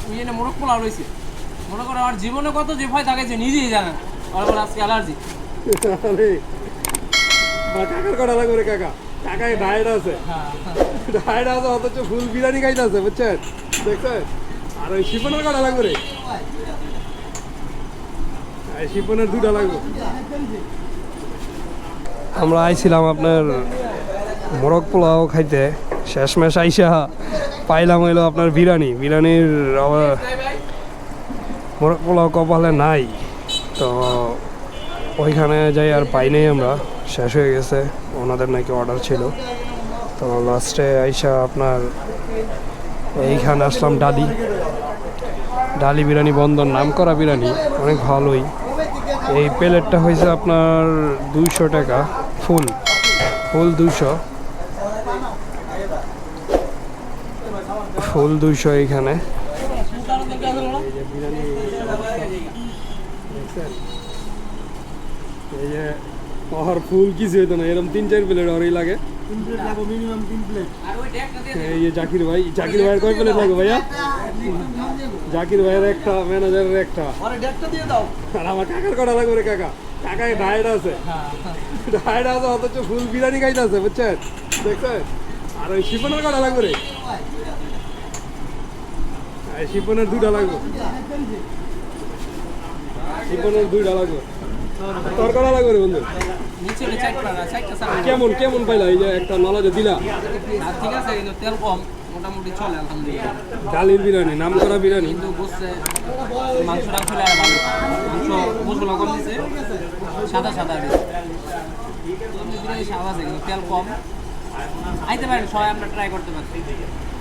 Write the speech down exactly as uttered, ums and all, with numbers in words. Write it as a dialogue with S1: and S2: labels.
S1: ওই জন্য মোরগ পোলাও রয়েছে। মনে করো আমার জীবনে কত যে ভয় থাকে যে নিজেই জানে না। আমার আজকে অ্যালার্জি।
S2: আরে কাকার কটা লাগবে রে কাকা, কাকায় ডায়েট আছে, ডায়েট আছে অথচ ফুল বিরিয়ানি খাইতে আছে বুঝছেন, দেখছেন। আর ওই শিপনের কটা লাগবে রে, শিপনের দুটা লাগবে। আমরা আইছিলাম আপনার মোরগ পোলাও খাইতে, শেষমেশ আইসা পাইলাম হইলো আপনার বিরিয়ানি। বিরিয়ানির মোরগ পোলাও কপালে নাই, তো ওইখানে যাই আর পাই নাই আমরা, শেষ হয়ে গেছে, ওনাদের নাকি অর্ডার ছিল। তো লাস্টে আইসা আপনার এইখানে আসলাম ডালি ডালি বিরিয়ানি বন্দর, নাম করা বিরিয়ানি, অনেক ভালোই। এই প্লেটটা হয়েছে আপনার দুইশো টাকা, ফুল ফুল দুইশো ফুল দুইশো এইখানে। এই যে আর ফুল কিছু হইতো না, এরকম তিন চার প্লেট ওরই লাগে। এই যে জাকির ভাই, জাকির ভাইয়ের কয় প্লেট লাগবে ভাইয়া? জাকির ভাইয়ের একটা, ম্যানেজারের একটা, আর আমার কাকার কটা লাগবে রে কাকা, কাকায় ডায়েট আছে, ডায়েট আছে অথচ ফুল বিরিয়ানি খাইতে আছে বুঝছেন, দেখছেন। আর ওই শিপনের কটা লাগবে রে, শিপনের দুটা লাগবে, শিপনের দুইটা লাগবে। তোর কটা লাগবে রে বন্ধু? কেমন কেমন পাইলা এই যে একটা নলেজে দিলা?
S1: ঠিক আছে, কিন্তু তেল কম, মোটামুটি চলে আলহামদুলিল্লাহ।
S2: ডালির বিরিয়ানি, নাম করা বিরিয়ানি,
S1: কিন্তু বুঝছে মাংস টাংস ভালো, মাংস মশলা কম দিছে, সাদা সাদা বিরিয়ানি সাদা আছে, কিন্তু তেল কম। আইতে পারেন সবাই, আমরা ট্রাই করতে পারি।